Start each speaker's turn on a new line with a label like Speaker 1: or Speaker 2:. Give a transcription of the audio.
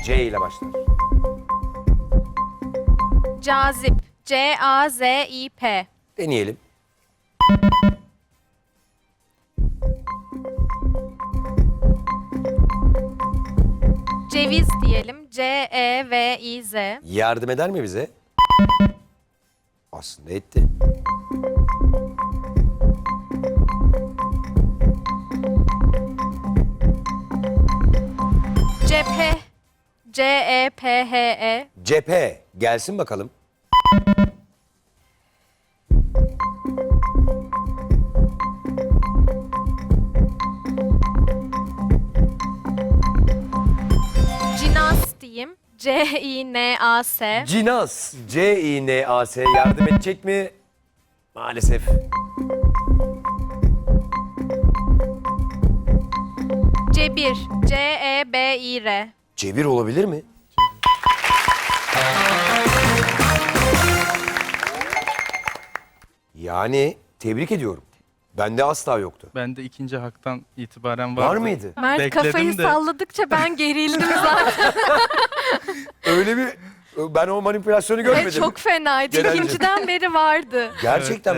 Speaker 1: C ile başlar.
Speaker 2: Cazip. C-A-Z-İ-P.
Speaker 1: Deneyelim.
Speaker 2: Ceviz diyelim. C-E-V-İ-Z.
Speaker 1: Yardım eder mi bize? Aslında etti.
Speaker 2: Cephe. C-E-P-H-E.
Speaker 1: Cephe. Gelsin bakalım.
Speaker 2: Cinas diyeyim. C-İ-N-A-S.
Speaker 1: Cinas. C-I-N-A-S. Yardım edecek mi? Maalesef.
Speaker 2: Cebir. C-E-B-İ-R.
Speaker 1: Cebir olabilir mi? Yani tebrik ediyorum. Bende asla yoktu.
Speaker 3: Ben de ikinci haktan itibaren vardı.
Speaker 1: Var mıydı?
Speaker 2: Mert
Speaker 3: Bekledim
Speaker 2: kafayı
Speaker 3: de.
Speaker 2: salladıkça ben gerildim zaten.
Speaker 1: Öyle bir... Ben o manipülasyonu görmedim.
Speaker 2: Çok fenaydı.
Speaker 1: Genelde.
Speaker 2: İkinciden beri vardı.
Speaker 1: Gerçekten